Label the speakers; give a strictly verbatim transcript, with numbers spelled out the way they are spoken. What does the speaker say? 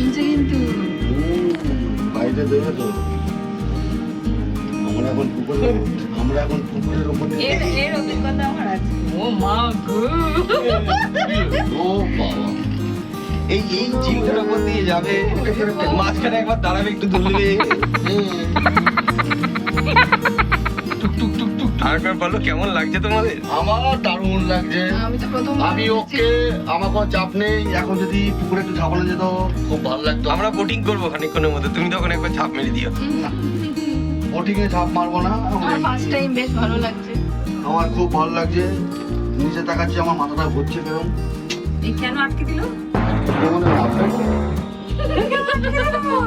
Speaker 1: জমছে কিন্তু।
Speaker 2: বাইরে দেবে তো। আমরা এখন পুকুরে আমরা এখন পুকুরের উপর দিয়ে
Speaker 1: এর এর অভিজ্ঞতা আমার আছে। ও মা গো।
Speaker 2: ও বাবা
Speaker 3: এই এই ঝিলটার উপর দিয়ে যাবে, মাঝখানে একবার দাঁড়াবে, একটু দুলবে। টুক টুক টুক টুক। আরেকবার বলো কেমন লাগছে তোমাদের?
Speaker 2: আমার দারুণ লাগছে।
Speaker 1: আমি তো প্রথম
Speaker 2: আমি ওকে আমার কোনো চাপ নেই। এখন যদি পুকুরে একটু ঝাঁপানো যেত খুব ভালো লাগতো।
Speaker 3: আমরা বোটিং করবো খানিকক্ষণের মধ্যে, তুমি তখন একবার ঝাঁপ মেরে দিও।
Speaker 2: বোটিং এ ঝাঁপ মারবো না।
Speaker 1: আমার ফার্স্ট টাইম বেশ ভালো লাগছে।
Speaker 2: আমার খুব ভালো লাগছে। নিচে তাকাচ্ছি, আমার মাথাটা ঘুরছে কেরম।
Speaker 1: এই কেন আটকে দিল?
Speaker 2: যেমন
Speaker 1: কেন আটকে দিল?